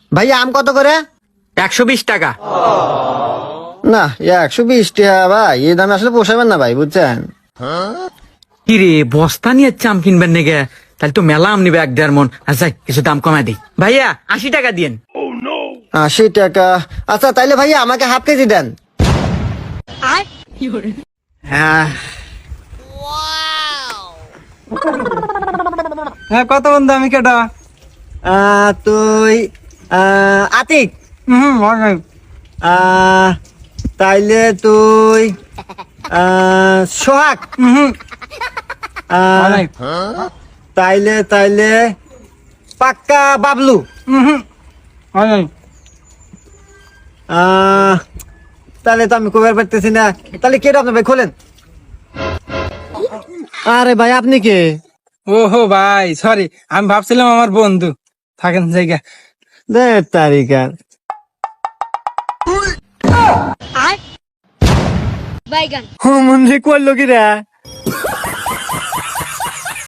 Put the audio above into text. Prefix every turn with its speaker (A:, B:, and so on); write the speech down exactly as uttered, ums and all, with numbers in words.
A: ভাইয়া আম কত করে?
B: একশো বিশ টাকা।
A: না একশো বিশ টাকা ভাই, এই দামে আসলে পোষাবেন না ভাই, বুঝছেন?
B: কি রে, বস্তা নিয়ে আম কিনবেন নাকি? তাহলে তো মেলা আম নিবে এক দেড় মন। আচ্ছা কিছু দাম কমাই দিই ভাইয়া, আশি টাকা দিয়েন।
A: আশি টাকা? আচ্ছা তাইলে ভাইয়া আমাকে হাফ কেজি দেন।
B: হ্যাঁ
C: হ্যাঁ, কত বন্ধু? আমি কেটা?
A: আহ, তুই আহ, আতিক।
C: হুম, অনেক।
A: আহ, তাইলে তুই আহ, সোহাগ।
C: হুম,
A: আহ,
C: অনেক।
A: তাইলে তাইলে পাক্কা বাবলু।
C: হুম, অনেক।
A: আহ, তাহলে তো আমি কবার পারতেছি না। তাহলে কে আপনি ভাই খোলেন। আরে ভাই আপনি কে?
C: ওহো ভাই, সরি, আমি ভাবছিলাম আমার বন্ধু থাকেন জায়গা।
A: দে তারিকা।
D: বাইগান।
A: হুম, মনে করলো কি রে?